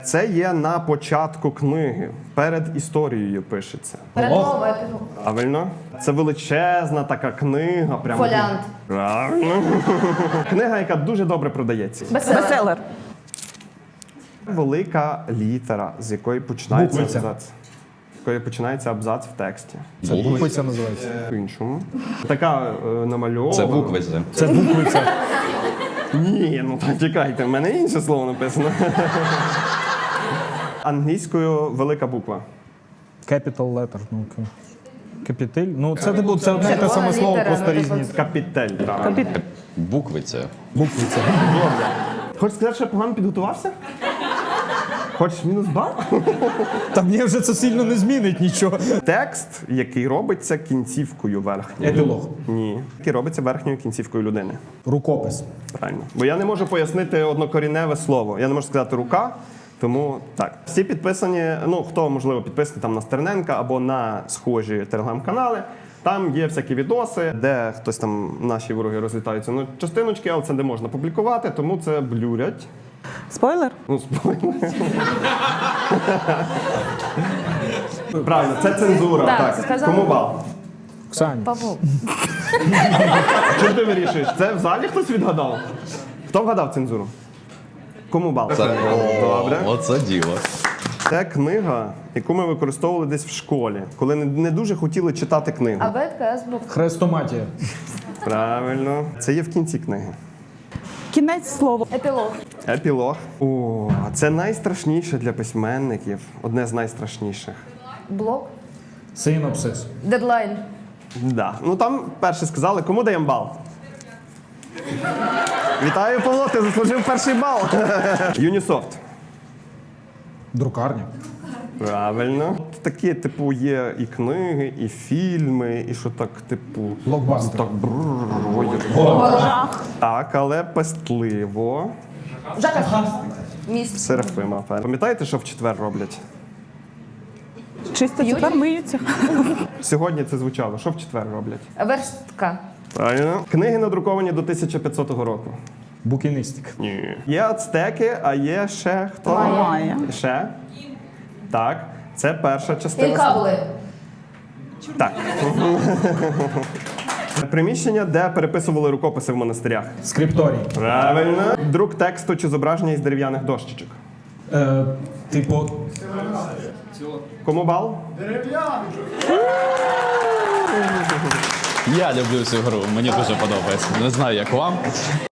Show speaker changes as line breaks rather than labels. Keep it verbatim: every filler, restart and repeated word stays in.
Це є на початку книги. Перед історією пишеться.
Передмова.
Правильно? Це величезна така книга. Прямо.
Фоліант.
Правильно. Книга, яка дуже добре продається.
Бестселер.
Бестселер.
Велика літера, з якої починається
Буквиця.
абзац. З якої починається абзац в тексті.
Це буквиця називається.
По-іншому. Така е, намальована.
Це буквиця.
Це буквиця.
Ні, ну так чекайте, в мене інше слово написано. Англійською велика буква.
Capital letter. Ну, к- капітель. Ну, це, типу, це одне і те саме слово,
літера,
просто
ну,
різні.
типу,
Капітель. Так.
Буквиця.
Буквиця.
Хочеш сказати, що я погано підготувався? Хочеш мінус бал?
Та мені вже це сильно не змінить нічого.
Текст, який робиться кінцівкою верхньою.
Епілог.
Ні. Який робиться верхньою кінцівкою людини.
Рукопис.
Правильно. Бо я не можу пояснити однокоріневе слово. Я не можу сказати рука, тому так. Всі підписані, ну хто, можливо, підписаний там на Стерненка або на схожі телеграм-канали. Там є всякі відоси, де хтось там, наші вороги розлітаються на частиночки, але це не можна публікувати, тому це блюрять.
Спойлер?
Ну, спойлер. Правильно, це цензура.
Так,
Так,
це сказали.
Кому бал?
Оксані.
Павло.
Чим ти вирішуєш? Це в залі хтось відгадав? Хто вгадав цензуру? Кому бал?
Це,
Добре.
Оце діло.
Це книга, яку ми використовували десь в школі, коли не, не дуже хотіли читати книгу.
Абетка, азбук.
Хрестоматія.
Правильно. Це є в кінці книги.
Кінець слова.
Епілог.
Епілог. О, це найстрашніше для письменників. Одне з найстрашніших.
Блок.
Синопсис.
Дедлайн.
Да. Ну там перше сказали, кому даємо бал? Вітаю, Павло, ти заслужив перший бал. Юнісофт.
Друкарня.
Правильно. Такі, типу, є і книги, і фільми, і що так, типу.
Блокбастер.
Так, брррр, ой, так, але пестливо.
Жака. Міст.
Серафима. Пам'ятаєте, що в четвер роблять?
Чисто тепер миються.
Сьогодні це звучало. Що в четвер роблять?
Верстка.
Правильно. Книги надруковані до тисяча п'ятсотого року.
Букіністика.
Ні. Є ацтеки, а є ще хто?
Майя.
Ще? Так. Це перша частина.
Інкабули.
Так. Приміщення, де переписували рукописи в монастирях.
Скрипторій.
Правильно. Друк тексту чи зображення із дерев'яних дощечок.
Е, типу,
Кому бал?
Я люблю цю гру, мені дуже подобається. Не знаю, як вам.